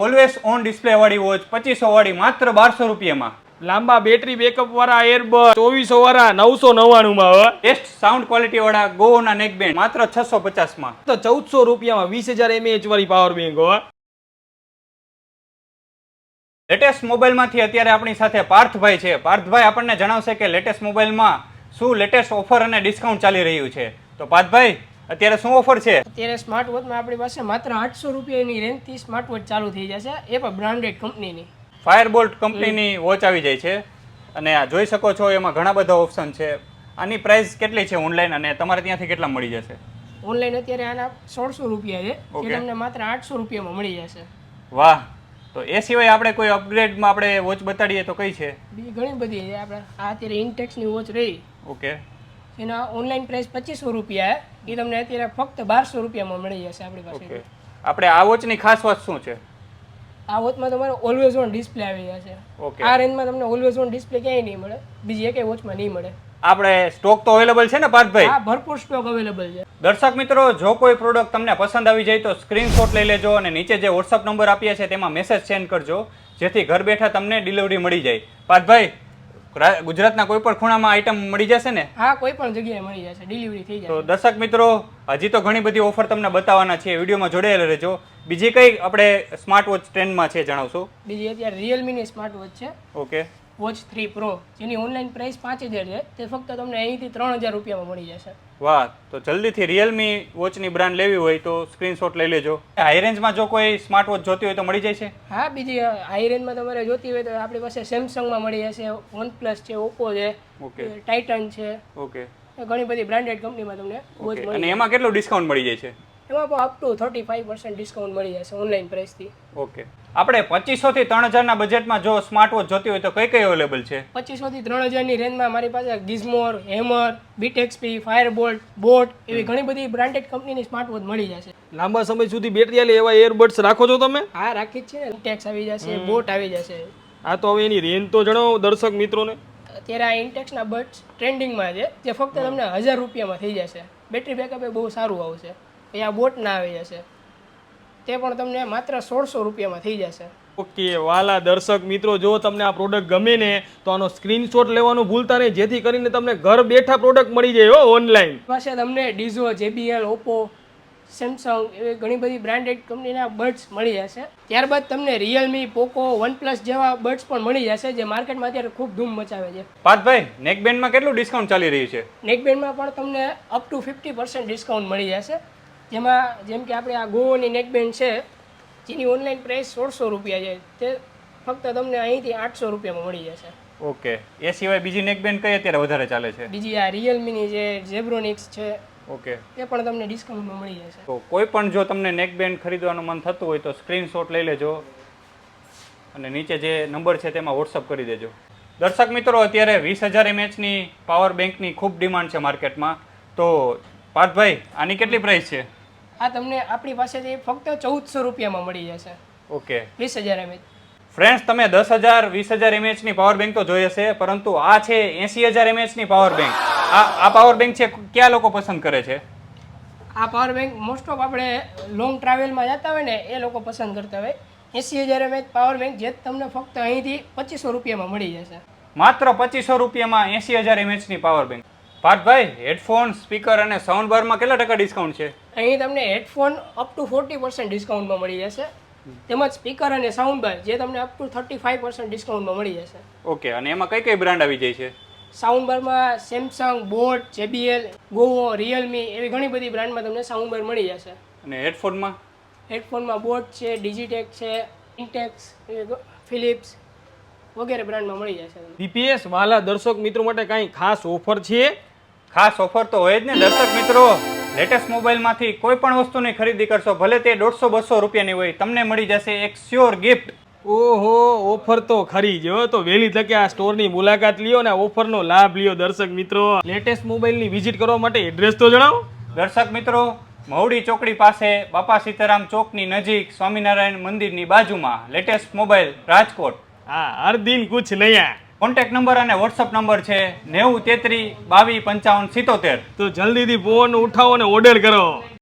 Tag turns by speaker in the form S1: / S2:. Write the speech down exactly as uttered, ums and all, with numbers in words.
S1: Always on display વાળી watch પચીસો વાળી માત્ર બારસો રૂપિયામાં.
S2: લાંબા બેટરી બેકઅપ વાળા એરબડ ચોવીસો વાળા નવસો નવ્વાણું માં.
S1: બેસ્ટ સાઉન્ડ ક્વોલિટી વાળા ગોના નેક બેન્ડ માત્ર છસો પચાસ માં.
S2: તો ચૌદસો રૂપિયામાં વીસ હજાર એમએચ વાળી પાવર બેંક હો.
S1: લેટેસ્ટ મોબાઈલમાંથી અત્યારે આપણી સાથે પાર્થભાઈ છે. પાર્થભાઈ આપણને જણાવશે કે લેટેસ્ટ મોબાઈલમાં શું લેટેસ્ટ ઓફર અને ડિસ્કાઉન્ટ ચાલી રહ્યું છે. તો પાર્થભાઈ અત્યારે શું ઓફર છે?
S3: અત્યારે સ્માર્ટ વોચમાં આપણી પાસે માત્ર આઠસો રૂપિયાની રેન્જથી સ્માર્ટ વોચ ચાલુ થઈ જશે, એ પણ બ્રાન્ડેડ કંપનીની.
S1: ફાયરબોલ્ટ કંપનીની વોચ આવી જાય છે અને આ જોઈ શકો છો એમાં ઘણા બધા ઓપ્શન છે. આની પ્રાઇસ કેટલી છે ઓનલાઈન અને તમારે ત્યાંથી કેટલા મળી જશે?
S3: ઓનલાઈન અત્યારે આના સોળસો રૂપિયા છે, એ તમને માત્ર આઠસો રૂપિયામાં મળી જશે.
S1: વાહ! તો એ સિવાય આપણે કોઈ અપગ્રેડમાં આપણે વોચ બતાડીએ તો કઈ છે?
S3: બીજી ઘણી બધી છે. આપણે આ અત્યારે ઇન્ટેક્સની વોચ રહી,
S1: ઓકે,
S3: એના ઓનલાઈન પ્રાઇસ પચીસો રૂપિયા, એ તમને અત્યારે ફક્ત બારસો રૂપિયામાં મળી જશે આપણી પાસે.
S1: ઓકે, આપણે આ વોચની ખાસ વાત શું છે?
S3: આ વોચમાં તમારે ઓલવેઝ ઓન ડિસ્પ્લે આવી જશે.
S1: ઓકે,
S3: આ રેન્જમાં તમને ઓલવેઝ ઓન ડિસ્પ્લે ક્યાંય નહીં મળે, બીજી એકેય વોચમાં નહીં મળે.
S1: આપણે સ્ટોક તો અવેલેબલ છે ને પાર્થભાઈ?
S3: હા, ભરપૂર સ્ટોક અવેલેબલ છે.
S1: દર્શક મિત્રો, જો કોઈ પ્રોડક્ટ તમને પસંદ આવી જાય તો સ્ક્રીનશોટ લઈ લેજો અને નીચે જે વોટ્સઅપ નંબર આપ્યા છે તેમાં મેસેજ સેન્ડ કરજો, જેથી ઘર બેઠા તમને ડિલિવરી મળી જાય. પાર્થભાઈ, ગુજરાતના કોઈ પણ ખૂણામાં આઈટમ મળી જશે ને?
S3: હા, કોઈ પણ જગ્યાએ મળી જશે, ડિલિવરી થઈ
S1: તો
S3: જાય.
S1: દર્શક મિત્રો, હજી તો ઘણી બધી ઓફર તમને બતાવવાના છે, વિડીયોમાં જોડાયેલા રહેજો. બીજી કઈ આપણે સ્માર્ટ વોચ ટ્રેન્ડમાં છે જણાવશો?
S3: બીજી અત્યારે રિયલમીની સ્માર્ટ વોચ છે,
S1: ઓકે,
S3: વોચ થ્રી પ્રો, જેની ઓનલાઈન પ્રાઇસ પાંચ હજાર છે, તે ફક્ત તમને અહીંથી ત્રણ હજાર રૂપિયામાં મળી જશે.
S1: વાહ! તો જલ્દીથી રિયલમી વોચની બ્રાન્ડ લેવી હોય તો સ્ક્રીનશોટ લઈ લેજો. હાઈ રેન્જમાં જો કોઈ સ્માર્ટ વોચ જોતી હોય તો મળી જાય છે?
S3: હા, બીજી હાઈ રેન્જમાં તમારે જોતી હોય તો આપણી પાસે સેમસંગમાં મળી જશે, વનપ્લસ છે, ઓપ્પો છે,
S1: ઓકે,
S3: ટાઇટન છે,
S1: ઓકે,
S3: ઘણી બધી બ્રાન્ડેડ કંપનીમાં તમને વોચ
S1: ઓકે.
S3: મળી
S1: અને
S3: જશે.
S1: એમાં કેટલું ડિસ્કાઉન્ટ મળી જાય છે?
S3: એમાં પણ up to thirty five percent discount મળી જશે ઓનલાઈન પ્રાઇસથી.
S1: ઓકે, આપણે પચીસો થી ત્રણ હજારના બજેટમાં જો સ્માર્ટ વોચ જોતી હોય તો કઈ કઈ અવેલેબલ છે?
S3: પચીસો થી ત્રણ હજારની રેન્જમાં મારી પાસે ગિઝમોર, હેમર, બીટેક્સપી, ફાયરબોલ્ટ, બોટ એવી ઘણી બધી બ્રાન્ડેડ કંપનીની સ્માર્ટ વોચ મળી જશે.
S2: લાંબા સમય સુધી બેટરી આલે એવા એરબડ્સ રાખો છો તમે?
S3: હા, રાખી જ છે ને. ઇન્ટેક્સ આવી જશે, બોટ આવી જશે.
S2: આ તો હવે એની રેન્જ તો જણાવો દર્શક મિત્રોને.
S3: અત્યારે આ ઇન્ટેક્સના બડ્સ ટ્રેન્ડિંગમાં છે, જે ફક્ત તમને હજાર રૂપિયામાં થઈ જશે. બેટરી બેકઅપ એ બહુ સારું આવશે. એ આ બોટ ના આવી જશે, તે પણ તમને માત્ર સોળસો રૂપિયામાં થઈ જશે.
S2: ઓકે વાલા દર્શક મિત્રો, જો તમને આ પ્રોડક્ટ ગમે ને તો આનો સ્ક્રીનશોટ લેવાનું ભૂલતા નહીં, જેથી કરીને તમને ઘર બેઠા પ્રોડક્ટ મળી જાય હો ઓનલાઈન.
S3: પાસે તમને ડીઝો, જેબીએલ, ઓપ્પો, સેમસંગ એવી ઘણી બધી બ્રાન્ડેડ કંપનીના બડ્સ મળી જશે. ત્યારબાદ તમને રિયલમી, પોકો, વનપ્લસ જેવા બડ્સ પણ મળી જશે, જે માર્કેટમાં અત્યારે ખૂબ ધૂમ મચાવે છે.
S1: પાર્થભાઈ, નેકબેન્ડમાં કેટલું ડિસ્કાઉન્ટ ચાલી રહ્યું છે?
S3: નેકબેન્ડમાં પણ તમને up to fifty percent discount મળી જશે. જેમાં જેમ કે આપણે આ ગોવાની નેકબેન્ડ છે, જેની ઓનલાઈન પ્રાઇસ સોળસો રૂપિયા છે, તે ફક્ત તમને અહીંથી આઠસો રૂપિયામાં મળી જશે.
S1: ઓકે, એ સિવાય બીજી નેકબેન્ડ કઈ અત્યારે વધારે ચાલે છે?
S3: બીજી આ રિયલમીની જે ઝેબ્રોનિક્સ છે,
S1: ઓકે,
S3: તે પણ તમને ડિસ્કાઉન્ટમાં મળી જશે.
S1: તો કોઈ પણ જો તમને નેકબેન્ડ ખરીદવાનું મન થતું હોય તો સ્ક્રીનશોટ લઈ લેજો અને નીચે જે નંબર છે તેમાં વોટ્સઅપ કરી દેજો. દર્શક મિત્રો, અત્યારે વીસ હજાર એમએચની પાવર બેંકની ખૂબ ડિમાન્ડ છે માર્કેટમાં. તો પાર્થભાઈ, આની કેટલી પ્રાઇસ છે?
S3: આ તમને આપણી પાસેથી ફક્ત ચૌદસો રૂપિયામાં મળી જશે.
S1: ઓકે
S3: વીસ હજાર એમએચ.
S1: ફ્રેન્ડ્સ, તમે દસ હજાર વીસ હજાર એમએચની પાવર બેંક તો જોઈ હશે, પરંતુ આ છે એંસી હજાર એમએચની પાવર બેંક. આ આ પાવર બેંક છે, ક્યાં લોકો પસંદ કરે છે?
S3: આ પાવર બેંક મોસ્ટ ઓફ આપણે લોંગ ટ્રાવેલમાં જતા હોય ને એ લોકો પસંદ કરતા હોય. એંસી હજાર એમએચ પાવર બેંક જે તમને ફક્ત અહીંથી પચીસો રૂપિયામાં મળી જશે.
S1: માત્ર પચીસો રૂપિયામાં એંસી હજાર એમએચની પાવર બેંક. પાર્થભાઈ, હેડફોન, સ્પીકર અને સાઉન્ડ બારમાં કેટલા ટકા ડિસ્કાઉન્ટ છે?
S3: અહીં તમને headphone up to forty percent ડિસ્કાઉન્ટમાં મળી જશે, તેમજ સ્પીકર અને સાઉન્ડ બાર જે તમને up to thirty five percent ડિસ્કાઉન્ટમાં મળી જશે.
S1: ઓકે, અને એમાં કઈ કઈ બ્રાન્ડ આવી જાય છે?
S3: સાઉન્ડ બારમાં Samsung, boAt, JBL, Govo, Realme એવી ઘણી બધી બ્રાન્ડમાં તમને સાઉન્ડ બાર મળી જશે.
S1: અને હેડફોનમાં?
S3: હેડફોનમાં બોટ છે, ડિજિટેક છે, ઇન્ટેક્સ, ફિલિપ્સ વગેરે બ્રાન્ડમાં મળી જશે.
S2: દીપેશ, વાલા દર્શક મિત્રો માટે કાંઈ ખાસ ઓફર છે?
S1: ખાસ ઓફર તો હોય જ ને દર્શક મિત્રો. લેટેસ્ટ મોબાઈલમાંથી કોઈ પણ વસ્તુની ખરીદી કરશો, ભલે તે દોઢસો બસો રૂપિયાની હોય, તમને મળી જશે એક શ્યોર ગિફ્ટ.
S2: ઓહો, ઓફર તો ખરી જ હો. તો વહેલી તકે આ સ્ટોરની મુલાકાત લ્યો ને ઓફરનો લાભ લ્યો દર્શક મિત્રો. લેટેસ્ટ મોબાઈલની વિઝિટ કરવા માટે એડ્રેસ તો જણાવો.
S1: દર્શક મિત્રો, મહુડી ચોકડી પાસે બાપા સીતારામ ચોકની નજીક સ્વામિનારાયણ મંદિરની બાજુમાં લેટેસ્ટ મોબાઈલ, રાજકોટ.
S2: હા, હર દિન કુછ નયા.
S1: કોન્ટેક્ટ નંબર અને વોટ્સઅપ નંબર છે નેવું તેત્રીસ બાવીસ પંચાવન સિત્તોતેર.
S2: તો જલ્દીથી ફોન ઉઠાવો ને ઓર્ડર કરો.